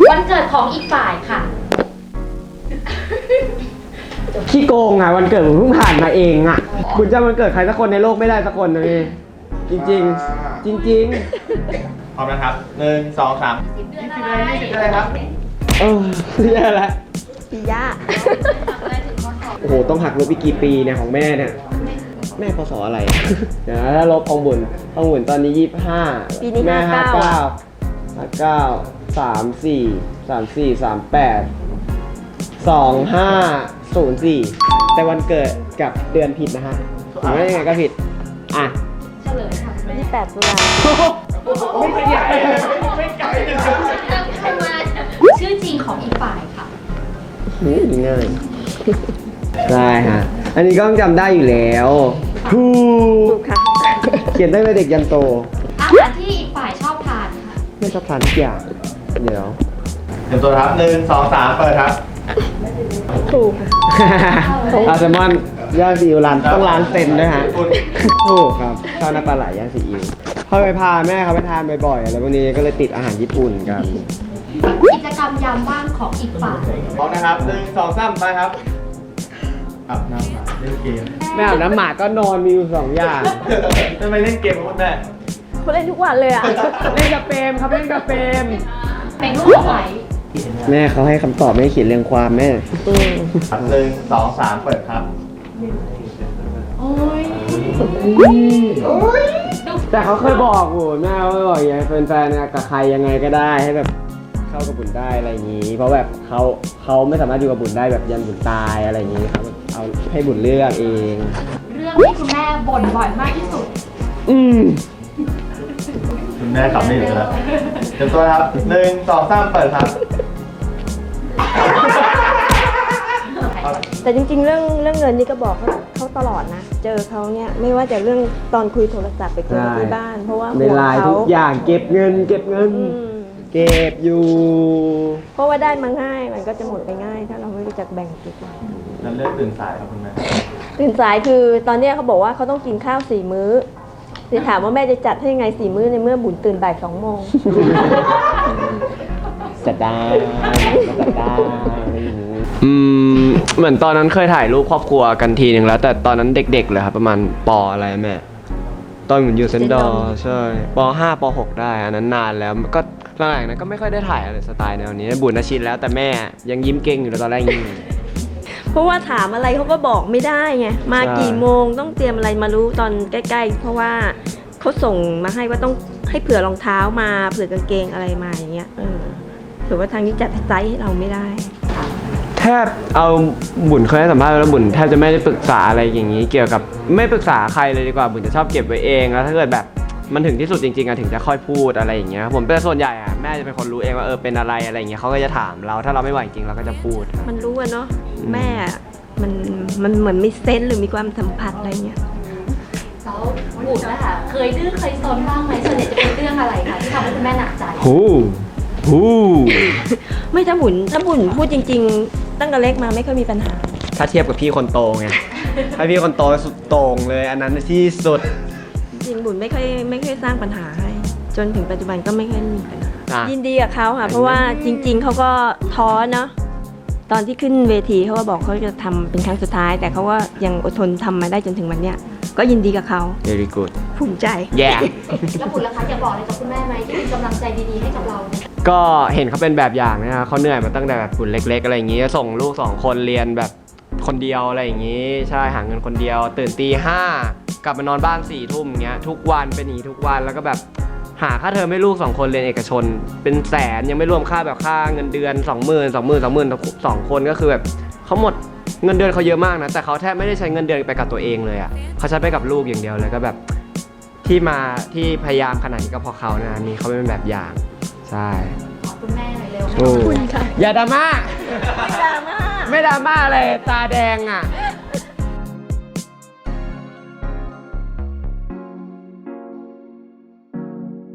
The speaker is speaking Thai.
วันเกิดของอีกฝ่ายค่ะขี้โกงอ่ะวันเกิดผมเพิ่งผ่านมาเองอ่ะคุณจำวันเกิดใครสักคนในโลกไม่ได้สักคนเลยจริงๆ จริงพร้อมนะครับ1 2 3 เดือนอะไร 20อะไรครับๆเรียกอะไรปีย่าโอ้โหต้องหักลบอีกกี่ปีเนี่ยของแม่เนี่ยแม่พศอะไร เดี๋ยวนะถ้าลบของบุญตอนนี้25 ปีนี้แม่ 59 25 แต่วันเกิดกับเดือนผิดนะฮะหรือว่ายังไงก็ผิดอ่ะเฉลยค่ะ 28 ตุลาไม่ไกลไม่ไกลชื่อจริงของอีกฝ่ายค่ะง่ายได้ฮะอันนี้ก็ต้องจำได้อยู่แล้วถูถูกกค่ะเขียนตั้งแต่เด็กยันโตอาหารที่อีกฝ่ายชอบทานค่ะไม่ชอบทานทุกอย่างเดี๋ยวเตรียมตัวครับ1 2 3เปิดครับถูกค่ะอาแซลมอนย่างซีอิ๊วร้านต้องร้านเซนด้วยฮะถูกครับข้าวหน้าปลาไหลย่างซีอิ๊วเขาไปพาแม่เขาไปทานบ่อยๆอะไรพวกนี้ก็เลยติดอาหารญี่ปุ่นกันกิจกรรมยามว่างของอีกฝ่ายพร้อมนะครับ1 2 3ไปครับอาบน้ำหมาเล่นเกมแม่อาบน้ำหมาก็นอนมีอยู่2 อย่างทำไมเล่นเกมกับคุณแม่เขาเล่นทุกวันเลยอ่ะเล่นกับเปรมครับเล่นกับเปรมเป็นรูปไหวแม่เขาให้คำตอบไม่ให้เขียนเรียงความแม่ครับ1 2 3เปิดครับโอ้ยแต่เขาเคยบอกโหแม่เขาบอกอย่างแฟนๆเนี่ยกับใครยังไงก็ได้ให้แบบเข้ากับบุญได้อะไรอย่างนี้ เพราะแบบเขาไม่สามารถอยู่กับบุญได้แบบยันบุญตายอะไรอย่างนี้ครับเอาให้บุญเลือกเองเรื่องที่คุณแม่บ่นบ่อยมากที่สุดคุณแม่ขับไม่อยู่แล้วเตรียมตัวครับ1 2 3เปิดครับแต่จริงๆ เรื่องเงินนี่ก็บอกเขาตลอดนะ เจอเขาเนี่ยไม่ว่าจะเรื่องตอนคุยโทรศัพท์ไปคุยที่บ้าน เพราะว่าในห่วงไลน์เขาทุกอย่างเก็บเงินอืมเก็บอยู่เพราะว่าได้มาง่ายมันก็จะหมดไปง่าย ถ้าเราไม่รู้จักแบ่งเก็บนั้นเลือกตื่นสายครับคุณแม่ตื่นสายคือตอนเนี้ยเขาบอกว่าเขาต้องกินข้าว4 มื้อจะถามว่าแม่จะจัดให้ยังไง4 มื้อในเมื่อบุญตื่นบ่าย2 โมงจัดได้เหมือนตอนนั้นเคยถ่ายรูปครอบครัวกันทีหนึ่งแล้ว แต่ตอนนั้นเด็กๆเลยครับประมาณป.อะไรแม่ตอนผมอยู่เซนดอร์ใช่ป.5 ป.6 ได้อันนั้นนานแล้วก็หลังๆนั้นก็ไม่ค่อยได้ถ่ายอะไรสไตล์แนวนี้บุญชินแล้วแต่แม่ยังยิ้มเก่งอยู่เลยตอนแรกยิ้มเพราะว่าถามอะไรเขาก็บอกไม่ได้ไงมาใช่กี่โมงต้องเตรียมอะไรมารู้ตอนใกล้ๆเพราะว่าเขาส่งมาให้ว่าต้องให้เผื่อรองเท้ามาเผื่อกางเกงอะไรมาอย่างเงี้ยถือว่าทางนี้จัดไซส์ให้เราไม่ได้แทบเอาบุญเคยให้สัมภาษณ์แล้วบุญแทบจะไม่ได้ปรึกษาอะไรอย่างนี้ เกี่ยวกับไม่ปรึกษาใครเลยดีกว่าบุญจะชอบเก็บไว้เองแล้วถ้าเกิดแบบมันถึงที่สุดจริงๆอะถึงจะค่อยพูดอะไรอย่างเงี้ยผมเป็นส่วนใหญ่อะแม่จะเป็นคนรู้เองว่าเป็นอะไรอย่างเงี้ยเขาก็จะถามเราถ้าเราไม่ไหวจริงเราก็จะพูดมันรู้อะเนาะแม่มันเหมือนมีเซนส์หรือมีความสัมผัสอะไรเงี้ยแล้วบุญนะคะเคยดื้อเคยซนบ้างไหมส่วนใหญ่จะเป็นเรื่องอะไรคะที่ทำให้คุณแม่หนักใจฮูไม่ถ้าบุญพูดจริงๆ ตั้งแต่เล็กมาไม่เคยมีปัญหาถ้าเทียบกับพี่คนโตไงถ้าพี่คนโตสุดโต่งเลยอันนั้นที่สุดจริงบุญไม่เคยสร้างปัญหาให้ จนถึงปัจจุบันก็ไม่เคยมีปัญหาอ่ะยินดีกับเขาค่ะ เพราะว่าจริง ๆเขาก็ท้อเนาะตอนที่ขึ้นเวทีเขาก็บอกเขาจะทำเป็นครั้งสุดท้าย แต่เขาก็ยังอดทนทำมาได้จนถึงวันเนี้ยก็ยินดีกับเขา very good ภูมิใจ yeah แล้วบุญล่ะคะอยากบอกอะไรกับคุณแม่ไหมที่เป็นกำลังใจดีๆให้กับเราเนี่ยก็เห็นเขาเป็นแบบอย่างนะเขาเหนื่อยมาตั้งแต่แบบบุญเล็กๆอะไรอย่างงี้ส่งลูก2 คนเรียนแบบคนเดียวอะไรอย่างงี้ใช่หาเงินคนเดียวตื่นตี 5กลับมานอนบ้าน4 ทุ่มเงี้ยทุกวันเป็นอย่างงี้ทุกวันแล้วก็แบบหาค่าเทอมให้ลูก2 คนเรียนเอกชนเป็นแสนยังไม่รวมค่าแบบค่าเงินเดือน 20,000 2คนก็คือแบบเขาหมดเงินเดือนเขาเยอะมากนะแต่เขาแทบไม่ได้ใช้เงินเดือนไปกับตัวเองเลยอ่ะเขาใช้ไปกับลูกอย่างเดียวเลยก็แบบที่พยายามขนาดนี้ก็เพราะเขานะนี่เขาเป็นแบบอย่างใช่ขอบคุณแม่หน่อยเร็วอย่าดราม่าไม่ดราม่าไม่ดราม่าเลยตาแดงอ่ะเ